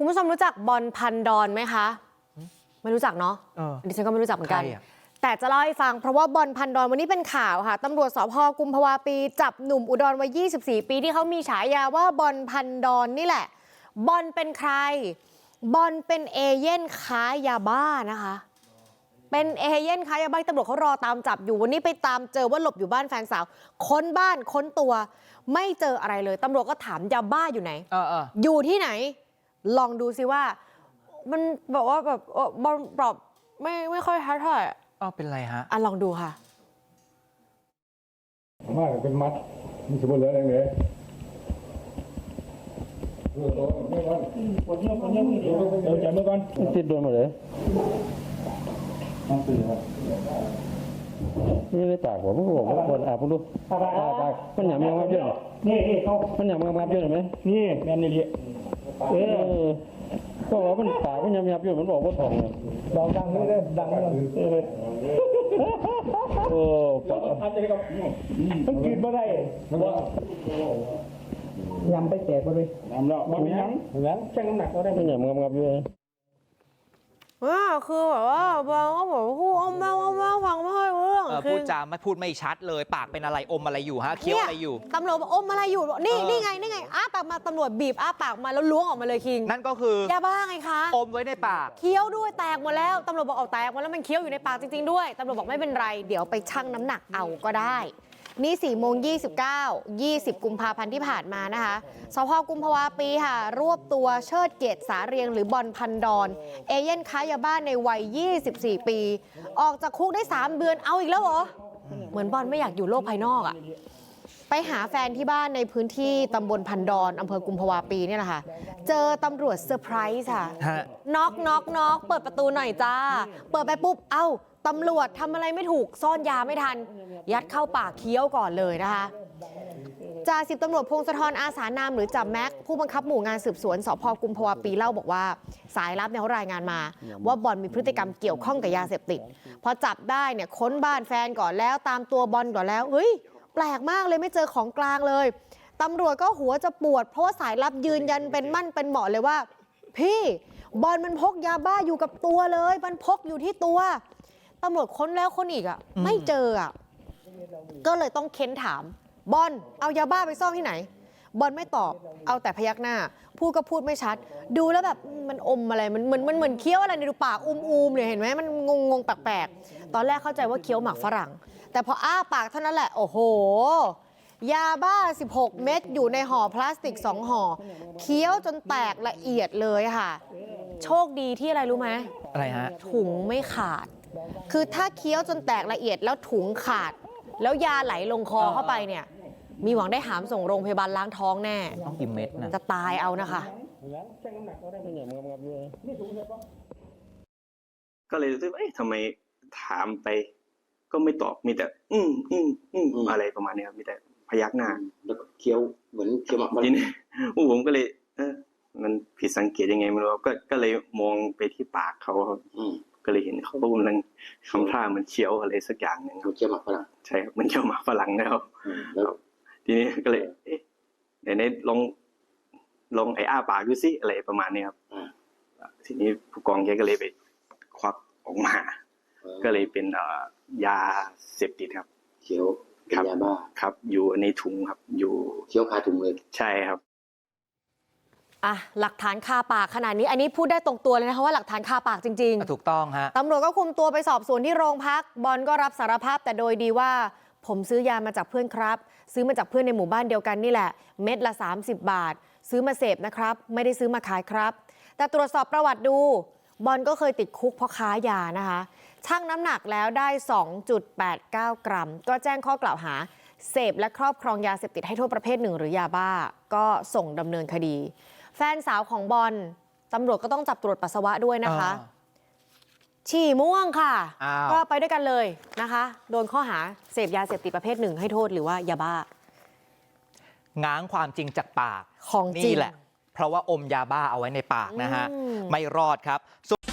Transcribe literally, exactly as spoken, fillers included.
คุณผู้ชมรู้จักบอลพันดอนไหมคะไม่รู้จักเนาะดิฉันก็ไม่รู้จักเหมือนกันแต่จะเล่าให้ฟังเพราะว่าบอลพันดอนวันนี้เป็นข่าวค่ะตำรวจสภ.กุมภาวะปีจับหนุ่มอุดรวัยยี่สิบสี่ปีที่เขามีฉายาว่าบอลพันดอนนี่แหละบอลเป็นใครบอลเป็นเอเย่นค้ายาบ้านะคะเป็นเอเย่นค้ายาบ้าตำรวจเขารอตามจับอยู่วันนี้ไปตามเจอว่าหลบอยู่บ้านแฟนสาวค้นบ้านค้นตัวไม่เจออะไรเลยตำรวจก็ถามยาบ้าอยู่ไหน อ, อ, อยู่ที่ไหนลองดูซิว่ามันบอกว่าแบบบอลปรับไม่ไม่ค่อยทัดเท่าไหร่อ๋อเป็นไรฮะอ่ะลองดูค่ะมากเป็นมัดมีสมุนเหลืออะไรเนี่ยเออไม่ก่อนคนเยอะคนเยอะเดี๋ยวจับมือก่อนติดโดนหมดเลยนี่ได้ปากผมก็บอกว่าคนอาบผมดูปากปากมันหยาบยังงับเยอะนี่นี่เขามันหยาบยังงับเยอะไหมนี่แมนนี่ดิเออก็ว่ามันปากมันหยาบยังงับเยอะมันบอกว่าทองเลยดังดังนี่เลยดังเลยโอ้ปากมันกินมาได้ยำไปแตกมาเลยยำแล้วมันยังยังช่างน้ำหนักเราได้มันหยาบงับงับเยอะว่าคือแบบว่าบางก็บอกพูดอ้อมแม่อ้อมแม่ฟังไม่ค่อยรู้เรื่องพูดจาไม่พูดไม่ชัดเลยปากเป็นอะไรอมอะไรอยู่ฮะเคี้ยวอะไรอยู่ตำรวจบอกอมอะไรอยู่นี่นี่ไงนี่ไงอ้าปากมาตำรวจบีบอ้าปากมาแล้วล้วงออกมาเลยคิงนั่นก็คือยาบ้าไงคะอมไว้ในปากเคี้ยวด้วยแตกหมดแล้วตำรวจบอกเอาแตกหมดแล้วมันเคี้ยวอยู่ในปากจริงๆด้วยตำรวจบอกไม่เป็นไรเดี๋ยวไปชั่งน้ำหนักเอาก็ได้นี่สี่โมงยี่สิบเก้า ยี่สิบกุมภาพันธ์ที่ผ่านมานะคะสภ.กุมภาวะปีค่ะรวบตัวเชิดเกตสาเรียงหรือบอลพันดอนเอเย่นค้ายาบ้านในวัยยี่สิบสี่ปีออกจากคุกได้สามเดือนเอาอีกแล้วเหรอเหมือนบอลไม่อยากอยู่โลกภายนอกอะไปหาแฟนที่บ้านในพื้นที่ตำบลพันดอนอำเภอกุมภาวะปีเนี่ยแหละค่ะเจอตำรวจเซอร์ไพรส์ค่ะน็อกน็อกน็อกเปิดประตูหน่อยจ้าเปิดไปปุ๊บเอ้าตำรวจทำอะไรไม่ถูกซ่อนยาไม่ทันยัดเข้าปากเคี้ยวก่อนเลยนะคะจ่าสิบตำรวจพงศธรอาสานามหรือจ่าแม็กผู้บังคับหมู่งานสืบสวนสภ.กุมภาวะปีเล่าบอกว่าสายลับเนี่ยเขารายงานมาว่าบอลมีพฤติกรรมเกี่ยวข้องกับยาเสพติดพอจับได้เนี่ยค้นบ้านแฟนก่อนแล้วตามตัวบอลก่อนแล้วเฮ้ยแปลกมากเลยไม่เจอของกลางเลยตำรวจก็หัวจะปวดเพราะว่าสายลับยืนยันเป็นมั่นเป็นเหมาะเลยว่าพี่บอลมันพกยาบ้าอยู่กับตัวเลยมันพกอยู่ที่ตัวตำรวจค้นแล้วค้นอีกอ่ะไม่เจออ่ะก็เลยต้องเค้นถามบอลเอายาบ้าไปซ่อนที่ไหนบอลไม่ตอบเอาแต่พยักหน้าพูดก็พูดไม่ชัดดูแล้วแบบมันอมอะไรมันเหมือนมันเหมือนเคี้ยวอะไรในดูปากอุ้มๆเนี่ยเห็นไหมมันงงงแปลกๆตอนแรกเข้าใจว่าเคี้ยวหมากฝรั่งแต่พออ้าปากเท่านั้นแหละโอ้โหยาบ้าสิบหกเม็ดอยู่ในห่อพลาสติกสองห่อเคี้ยวจนแตกละเอียดเลยค่ะโชคดีที่อะไรรู้ไหมอะไรฮะถุงไม่ขาดคือถ้าเคี้ยวจนแตกละเอียดแล้วถุงขาดแล้วยาไหลลงคอเข้าไปเนี่ยมีหวังได้หามส่งโรงพยาบาลล้างท้องแน่ต้องกินเม็ดนะจะตายเอานะคะก็เลยรู้สึกเอ๊ะทำไมถามไปก็ไม่ตอบมีแต่อืมอืมอืมอะไรประมาณนี้ครับมีแต่พยักหน้าแล้วก็เคี้ยวเหมือนเคี้ยวหมากทีนี้ผมก็เลยเออมันผิดสังเกตยังไงไม่รู้ก็ก็เลยมองไปที่ปากเขาครับก็เลยเห็นเขากำลังทำท่าเหมือนเคี้ยวอะไรสักอย่างหนึ่งเคี้ยวหมากฝรั่งใช่ครับมันเคี้ยวหมากฝรั่งนะครับแล้วทีนี้ก็เลยเอ๊ะไหนๆลองลองไอ้อ้าปากดูซิอะไรประมาณนี้ครับทีนี้ผู้กองแกก็เลยไปควักออกมาก็เลยเป็นยาเสพติดครับเคี้ยวเป็นยาบ้าครับอยู่ในถุงครับอยู่เคี้ยวคาถุงเลยใช่ครับอ่ะหลักฐานคาปากขนาดนี้อันนี้พูดได้ตรงตัวเลยนะคะว่าหลักฐานคาปากจริงๆถูกต้องฮะตำรวจก็คุมตัวไปสอบสวนที่โรงพักบอลก็รับสารภาพแต่โดยดีว่าผมซื้อยามาจากเพื่อนครับซื้อมาจากเพื่อนในหมู่บ้านเดียวกันนี่แหละเม็ดละสามสิบบาทซื้อมาเสพนะครับไม่ได้ซื้อมาขายครับแต่ตรวจสอบประวัติดูบอลก็เคยติดคุกเพราะค้ายานะคะชั่งน้ำหนักแล้วได้ สองจุดแปดเก้า กรัมก็แจ้งข้อกล่าวหาเสพและครอบครองยาเสพติดให้โทษประเภทหนึ่งหรือยาบ้าก็ส่งดำเนินคดีแฟนสาวของบอลตำรวจก็ต้องจับตรวจปัสสาวะด้วยนะคะฉี่ม่วงค่ะก็ไปด้วยกันเลยนะคะโดนข้อหาเสพยาเสพติดประเภทหนึ่งให้โทษหรือว่ายาบ้าง้างความจริงจากปากของจริงนี่แหละเพราะว่าอมยาบ้าเอาไว้ในปากนะฮะไม่รอดครับ